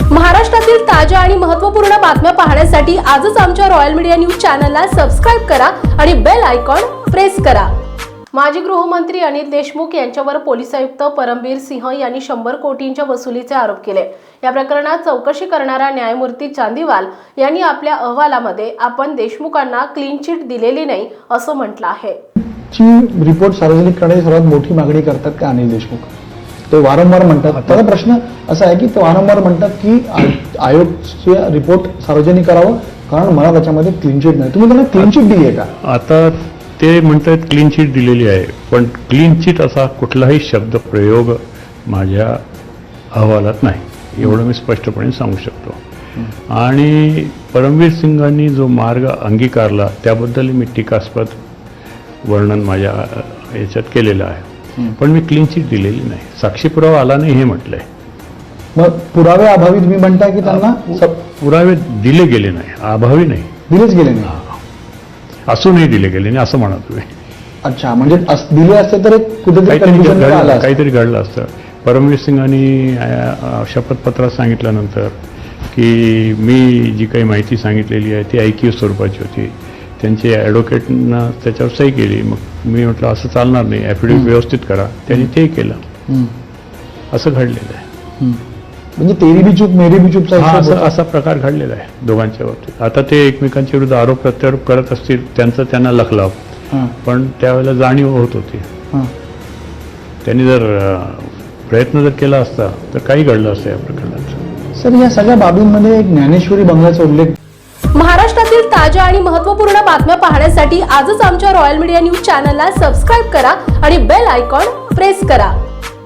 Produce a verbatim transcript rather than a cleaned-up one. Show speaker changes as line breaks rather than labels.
महाराष्ट्रातील ताज्या आणि महत्त्वपूर्ण बातम्या पाहण्यासाठी आजच आमच्या रॉयल मीडिया न्यूज चॅनलला सबस्क्राइब करा आणि बेल आयकॉन प्रेस करा। माजी गृहमंत्री अनिल देशमुख यांच्यावर पोलीस आयुक्त परमबीर सिंह यांनी शंभर कोटींच्या वसुलीचे आरोप केले। या प्रकरणात चौकशी करणारा न्यायमूर्ती चांदीवाल यांनी आपल्या अहवालामध्ये आपण देशमुखांना क्लीन चिट दिलेली नाही असं म्हटलं आहे।
ची रिपोर्ट सार्वजनिक करण्याची सर्वात मोठी मागणी करतात का अनिल देशमुख? ते वारंवार म्हणतात। आता प्रश्न असा आहे की ते वारंवार म्हणतात की आयोगचे रिपोर्ट सार्वजनिक करावं कारण मला त्याच्यामध्ये क्लीन चिट नाही। तुम्ही त्यांना क्लीन चिट दिली आहे का?
आता ते म्हणतात क्लीन चिट दिलेली आहे, पण क्लीन चिट असा कुठलाही शब्द प्रयोग माझ्या अहवालात नाही, एवढं मी स्पष्टपणे सांगू शकतो। आणि परमवीर सिंगांनी जो मार्ग अंगीकारला त्याबद्दल मी टीकास्पद वर्णन माझ्या याच्यात केलेलं आहे, पण मी क्लीन चिट दिलेली नाही, साक्षी पुरावा आला नाही हे म्हटलंय।
मग पुरावे अभावी तुम्ही म्हणताय की त्यांना
पुरावे दिले गेले नाही, अभावी नाही,
दिलेच गेले नाही,
असूनही दिले गेले नाही असं म्हणा तुम्ही।
अच्छा, म्हणजे दिले असते तर कुठेतरी
काहीतरी घडलं असतं। परमवीर सिंगांनी शपथपत्रात सांगितल्यानंतर की मी जी काही माहिती सांगितलेली आहे ती ऐकीव स्वरूपाची होती, त्यांचे ॲडव्होकेटनं त्याच्यावर सही केली। मग मी म्हटलं असं चालणार नाही, ॲफिडेव्हिट व्यवस्थित करा, त्यांनी ते केलं, असं घडलेलं आहे।
म्हणजे तेरी बी चूक मेरी बी चूक
असा प्रकार घडलेला आहे दोघांच्या बाबतीत। आता ते एकमेकांच्या विरुद्ध आरोप प्रत्यारोप करत असतील, त्यांचं त्यांना लखलाव, पण त्यावेळेला जाणीव होत होती। त्यांनी जर प्रयत्न जर केला असता तर काही घडलं असतं या प्रकरणात।
सर, या सगळ्या बाबींमध्ये एक ज्ञानेश्वरी बंगल्याचा उल्लेख।
महाराष्ट्रातील ताज्या आणि महत्त्वपूर्ण बातम्या पाहण्यासाठी आजच आमच्या रॉयल मीडिया न्यूज चॅनलला सबस्क्राइब करा आणि बेल आयकॉन प्रेस करा।